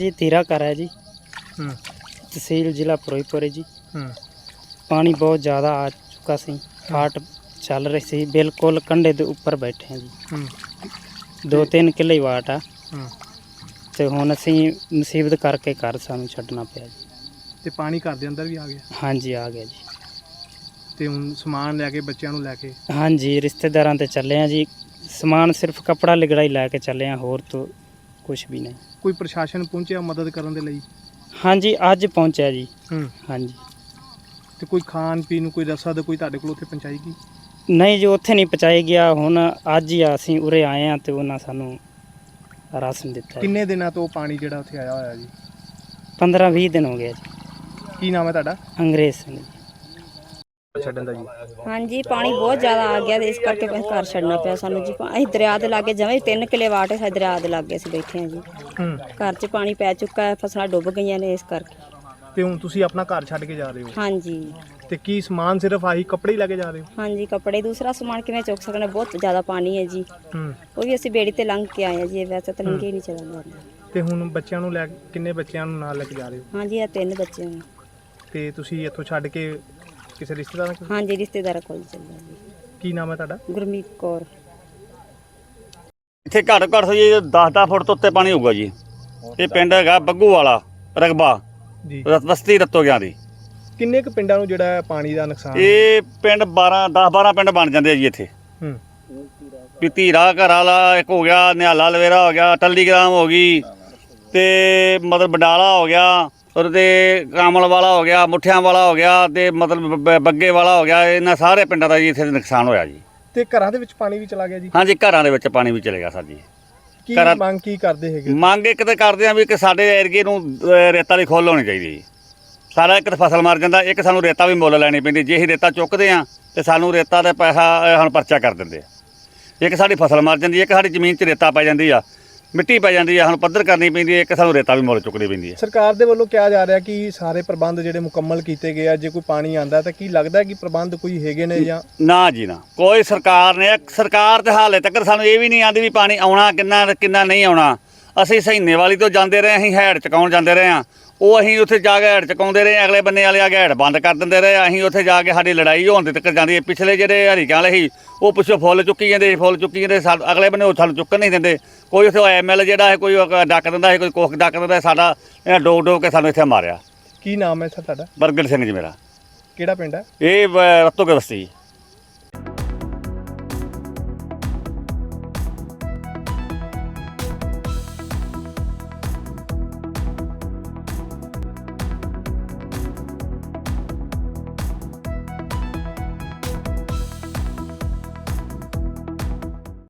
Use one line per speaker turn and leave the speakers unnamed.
जी तीरा कर है जी, तहसील जिला फिरोजपुर है जी। पानी बहुत ज़्यादा आ चुका सी, फाट चल रही सी, बिल्कुल कंढे के उपर बैठे हैं जी। 2-3 किले ही वाट आ ते हुण असीं मुसीबत करके घर सानूं छड्डना पिया जी।
ਤੇ ਪਾਣੀ ਘਰ ਦੇ ਅੰਦਰ ਵੀ ਆ ਗਿਆ
हाँ जी आ गया जी।
ਤੇ ਹੁਣ ਸਮਾਨ ਲੈ ਕੇ ਬੱਚਿਆਂ ਨੂੰ ਲੈ ਕੇ
हाँ जी रिश्तेदारां ते चले हैं जी, समान सिर्फ कपड़ा लिगड़ा ही लैके चले हैं, होर तो कुछ भी नहीं।
ਕੋਈ ਪ੍ਰਸ਼ਾਸਨ ਪਹੁੰਚਿਆ ਮਦਦ ਕਰਨ ਦੇ ਲਈ?
हाँ जी अज पहुँचा जी। हाँ जी
ਤੇ ਕੋਈ ਖਾਣ ਪੀਣ ਨੂੰ ਕੋਈ ਰਸਦ ਕੋਈ ਤੁਹਾਡੇ ਕੋਲ ਉੱਥੇ ਪਹੁੰਚਾਈ ਗਈ?
नहीं जी उत्थे नहीं पहुँचाया गया, हुण अज ही असीं उरे आए हैं तो उन्हां सानूं राशन दिता है।
ਕਿੰਨੇ ਦਿਨਾਂ ਤੋਂ ਪਾਣੀ ਜਿਹੜਾ ਉੱਥੇ ਆਇਆ ਹੋਇਆ ਜੀ?
15-20 दिन हो गया जी।
ਕੀ ਨਾਮ ਹੈ ਤੁਹਾਡਾ?
अंग्रेज सिंह जी।
ਛੱਡਣ ਦਾ ਜੀ?
हाँ जी पानी बहुत ज़्यादा आ गया, इस करके फिर घर छड़ना पिया सानू जी। असीं दरिया दे लागे जमें 3 किले वाट है, दरिया दे लागे असीं बैठे हैं जी। घर च पानी पै चुका है, फसलां डुब गईयां ने इस करके।
ਤੇ ਹੁਣ ਤੁਸੀਂ ਆਪਣਾ ਘਰ ਛੱਡ ਕੇ ਜਾ ਰਹੇ ਹੋ
हाँ जी
ਤੇ ਕੀ ਸਮਾਨ ਸਿਰਫ ਆਹੀ ਕੱਪੜੇ ਹੀ ਲੈ ਕੇ ਜਾ ਰਹੇ ਹੋ?
हाँ जी कपड़े दूसरा समान किवें चुक सकने, बहुत ज़्यादा पानी है जी। वो भी असीं बेड़ी ते लंघ के आए हैं जी, वैसे तो लंघे ही नहीं चला जाता।
ਤੇ ਹੁਣ ਬੱਚਿਆਂ ਨੂੰ ਲੈ ਕਿੰਨੇ ਬੱਚਿਆਂ ਨੂੰ ਨਾਲ ਲੈ ਕੇ ਜਾ ਰਹੇ ਹੋ?
हाँ जी 3 बच्चे हैं।
ਤੇ ਤੁਸੀਂ ਇੱਥੋਂ ਛੱਡ ਕੇ ਕਿਸੇ ਰਿਸ਼ਤੇਦਾਰਾਂ ਕੋਲ?
हाँ जी रिश्तेदार कोल चले जी।
ਕੀ ਨਾਮ ਹੈ ਤੁਹਾਡਾ?
गुरमीत कौर।
ਇੱਥੇ ਘੱਟ ਘੱਟ ਜੀ 10-10 ਫੁੱਟ ਤੋਂ ਉੱਤੇ ਪਾਣੀ ਹੋਊਗਾ ਜੀ। ਇਹ ਪਿੰਡ ਹੈਗਾ ਬੱਗੂ ਵਾਲਾ ਰਗਬਾ
ਜੀ
ਬਸਤੀ ਰਤੋ ਗਿਆ ਦੀ।
ਕਿੰਨੇ ਕੁ ਪਿੰਡਾਂ ਨੂੰ ਜਿਹੜਾ ਪਾਣੀ ਦਾ ਨੁਕਸਾਨ?
ਇਹ ਪਿੰਡ 10-12 ਪਿੰਡ ਬਣ ਜਾਂਦੇ ਆ ਜੀ ਇੱਥੇ। ਵੀ ਧੀਰਾ ਘਰ ਵਾਲਾ ਇੱਕ ਹੋ ਗਿਆ, ਨਿਹਾਲਾ ਲਵੇਰਾ ਹੋ ਗਿਆ, ਟੱਲੀਗ੍ਰਾਮ ਹੋ ਗਈ, ਤੇ ਮਤਲਬ ਬਡਾਲਾ ਹੋ ਗਿਆ, ਉਹਦੇ ਕਾਮਲ ਵਾਲਾ ਹੋ ਗਿਆ, ਮੁੱਠਿਆਂ ਵਾਲਾ ਹੋ ਗਿਆ, ਤੇ ਮਤਲਬ ਬੱਗੇ ਵਾਲਾ ਹੋ ਗਿਆ। ਇਹਨਾਂ ਸਾਰੇ ਪਿੰਡਾਂ ਦਾ ਜੀ ਇੱਥੇ ਨੁਕਸਾਨ ਹੋਇਆ ਜੀ।
ਤੇ ਘਰਾਂ ਦੇ ਵਿੱਚ ਪਾਣੀ ਵੀ ਚਲਾ ਗਿਆ ਜੀ?
ਹਾਂਜੀ ਘਰਾਂ ਦੇ ਵਿੱਚ ਪਾਣੀ ਵੀ ਚਲੇ ਗਿਆ ਸਰ ਜੀ।
ਕੀ ਮੰਗ ਕੀ ਕਰਦੇ ਹੈਗੇ?
ਮੰਗ ਇੱਕ ਤਾਂ ਕਰਦੇ ਆ ਵੀ ਕਿ ਸਾਡੇ ਏਰੀਏ ਨੂੰ ਰੇਤਾ ਦੀ ਖੁੱਲ੍ਹ ਹੋਣੀ ਚਾਹੀਦੀ ਜੀ। ਸਾਰਾ ਇੱਕ ਤਾਂ ਫਸਲ ਮਰ ਜਾਂਦਾ, ਇੱਕ ਸਾਨੂੰ ਰੇਤਾ ਵੀ ਮੁੱਲ ਲੈਣੀ ਪੈਂਦੀ। ਜੇ ਅਸੀਂ ਰੇਤਾ ਚੁੱਕਦੇ ਆ ਤੇ ਸਾਨੂੰ ਰੇਤਾ ਦਾ ਪੈਸਾ ਸਾਨੂੰ ਪਰਚਾ ਕਰ ਦਿੰਦੇ ਆ। ਇੱਕ ਸਾਡੀ ਫਸਲ ਮਰ ਜਾਂਦੀ, ਇੱਕ ਸਾਡੀ ਜ਼ਮੀਨ 'ਚ ਰੇਤਾ ਪੈ ਜਾਂਦੀ ਆ, ਮਿੱਟੀ ਪੈ ਜਾਂਦੀ ਆ, ਸਾਨੂੰ ਪੱਧਰ ਕਰਨੀ ਪੈਂਦੀ ਹੈ। ਇੱਕ ਸਾਨੂੰ ਰੇਤਾ ਵੀ ਮੁੱਲ ਚੁੱਕਣੀ ਪੈਂਦੀ ਹੈ।
ਸਰਕਾਰ ਦੇ ਵੱਲੋਂ ਕਿਹਾ ਜਾ ਰਿਹਾ ਕਿ ਸਾਰੇ ਪ੍ਰਬੰਧ ਜਿਹੜੇ ਮੁਕੰਮਲ ਕੀਤੇ ਗਏ ਆ, ਜੇ ਕੋਈ ਪਾਣੀ ਆਂਦਾ ਤਾਂ ਕੀ ਲੱਗਦਾ ਕਿ ਪ੍ਰਬੰਧ ਕੋਈ ਹੈਗੇ ਨੇ ਜਾਂ?
ਨਾ ਜੀ ਨਾ, ਕੋਈ ਸਰਕਾਰ ਤੇ ਹਾਲੇ ਤੱਕ ਸਾਨੂੰ ਇਹ ਵੀ ਨਹੀਂ ਆਂਦੀ ਵੀ ਪਾਣੀ ਆਉਣਾ ਕਿੰਨਾ ਨਹੀਂ ਆਉਣਾ। ਅਸੀਂ ਸਹੀਨੇ ਵਾਲੀ ਤੋਂ ਜਾਂਦੇ ਰਹੇ, ਅਸੀਂ ਹੈਡ ਚਕਾਉਣ ਜਾਂਦੇ ਰਹੇ ਹਾਂ। ਉਹ ਅਸੀਂ ਉੱਥੇ ਜਾ ਕੇ ਹੈਡ ਚਕਾਉਂਦੇ ਰਹੇ, ਅਗਲੇ ਬੰਨੇ ਵਾਲੇ ਆ ਕੇ ਹੈਡ ਬੰਦ ਕਰ ਦਿੰਦੇ ਰਹੇ। ਅਸੀਂ ਉੱਥੇ ਜਾ ਕੇ ਸਾਡੀ ਲੜਾਈ ਹੋਣ ਦੇ ਤੱਕ ਜਾਂਦੀ ਹੈ। ਪਿਛਲੇ ਜਿਹੜੇ ਹਰੀਕਾਂ ਵਾਲੇ ਸੀ ਉਹ ਪਿੱਛੋਂ ਫੁੱਲ ਚੁੱਕੀ ਜਾਂਦੇ, ਅਗਲੇ ਬੰਨੇ ਉਹ ਸਾਨੂੰ ਚੁੱਕਣ ਨਹੀਂ ਦਿੰਦੇ। ਕੋਈ ਉੱਥੇ ਐਮਐਲ ਜਿਹੜਾ ਹੈ ਕੋਈ ਡੱਕ ਦਿੰਦਾ ਹੈ, ਕੋਈ ਕੁੱਖ ਡੱਕ ਦਿੰਦਾ। ਸਾਡਾ ਇਹਨਾਂ ਡੋਕ ਕੇ ਸਾਨੂੰ ਇੱਥੇ ਮਾਰਿਆ।
ਕੀ ਨਾਮ ਹੈ ਸਰ ਤੁਹਾਡਾ?
ਬਰਗਰ ਸਿੰਘ ਜੀ ਮੇਰਾ।
ਕਿਹੜਾ ਪਿੰਡ ਹੈ?
ਇਹ ਰਤੋ ਕੇ ਬਸਤੀ।